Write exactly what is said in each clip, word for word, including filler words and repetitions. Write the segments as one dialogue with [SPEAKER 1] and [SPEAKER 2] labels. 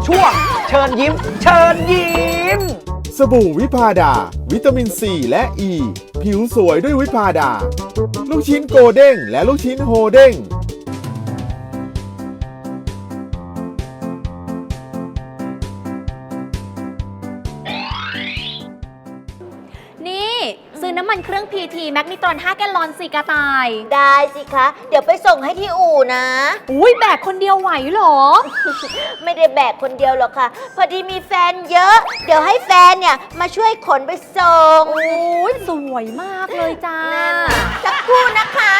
[SPEAKER 1] ช่วงเชิญยิ้ม เชิญยิ้ม
[SPEAKER 2] สบู่วิพาดาวิตามินซีและอ e, ีผิวสวยด้วยวิพาดา ลูกชิ้นโกเด้งและลูกชิ้นโฮเด้ง
[SPEAKER 3] นี่ซื้อน้ำมันเครื่อง พี ที แมกนิตรอนห้าแกลลอนสี่กระต่าย
[SPEAKER 4] ได้สิคะ เดี๋ยวไปส่งให้ที่อู่นะ
[SPEAKER 3] อุ้ยแบกคนเดียวไหวเหรอ
[SPEAKER 4] ไม่ได้แบกคนเดียวหรอกค่ะ พอดีมีแฟนเยอะ เดี๋ยวให้แฟนเนี่ยมาช่วยขนไปส่ง
[SPEAKER 3] โอ้ยสวยมากเลยจ้า
[SPEAKER 4] สักครู่นะคะ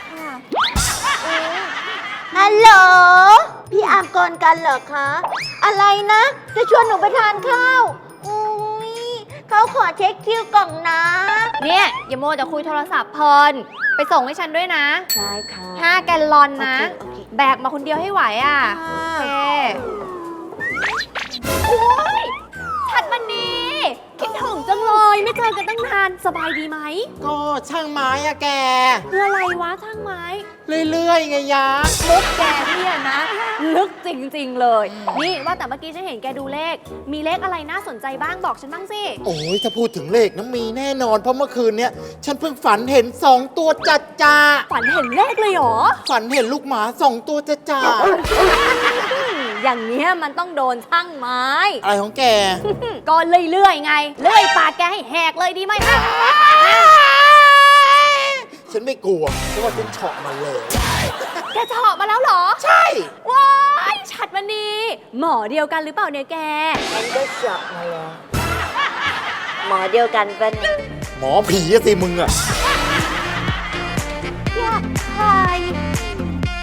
[SPEAKER 4] ฮัลโหล พี่อามกรกันเหรอคะ อะไรนะ จะชวนหนูไปทานข้าว อุ้ยเขาขอเช็คคิวกล่องนะ
[SPEAKER 3] เนี่ยอย่าโมวแต่คุยโทรศัพท์เพลินไปส่งให้ฉันด้วยนะ
[SPEAKER 4] ได้ค่ะ
[SPEAKER 3] ห้าแกลลอนนะ
[SPEAKER 4] โอเคโอเค
[SPEAKER 3] แบกมาคนเดียวให้ไหวอ่ะ
[SPEAKER 4] ค่ะ
[SPEAKER 3] โอเคโอ้ยชัดมันนี้คิดถึงจังเลยไม่เจอกันตั้งนานสบายดีไหม
[SPEAKER 5] ก็ช่างไม้อะแก
[SPEAKER 3] คืออะไรวะช่างไม้
[SPEAKER 5] เรื่อยๆไงยะ
[SPEAKER 3] มุกแกเนี่ยนะ ลึกจริงๆเลย นี่ว่าแต่เมื่อกี้ฉันเห็นแกดูเลข มีเลขอะไรน่าสนใจบ้างบอกฉันบ้างสิ
[SPEAKER 5] โอ้ยถ้าพูดถึงเลขน้ำมีแน่นอน เพราะเมื่อคืนเนี้ยฉันเพิ่งฝันเห็นสองตัวจัดจ้า
[SPEAKER 3] ฝันเห็นเลขเลยเหรอ
[SPEAKER 5] ฝันเห็นลูกหมาสองตัวจัดจ้า
[SPEAKER 3] อย่างเนี้ยมันต้องโดนช่างไม้
[SPEAKER 5] อะไรของแก
[SPEAKER 3] ก็เรื่อยๆไง เลื่อยปากแกให้แหกเลยดีไหม
[SPEAKER 5] ฉันไม่กลัวเพราะว่าฉันเฉาะมาเลย
[SPEAKER 3] แกเฉาะมาแล้วเหรอ
[SPEAKER 5] ใช่
[SPEAKER 3] ว้ายชัดมันนีหมอเดียวกันหรือเปล่าเนี่ยแก
[SPEAKER 4] ฉันก็เจาะมาแล้ว หมอเดียวกันปะเนี่ย
[SPEAKER 5] หมอผีอะสิมึงอะ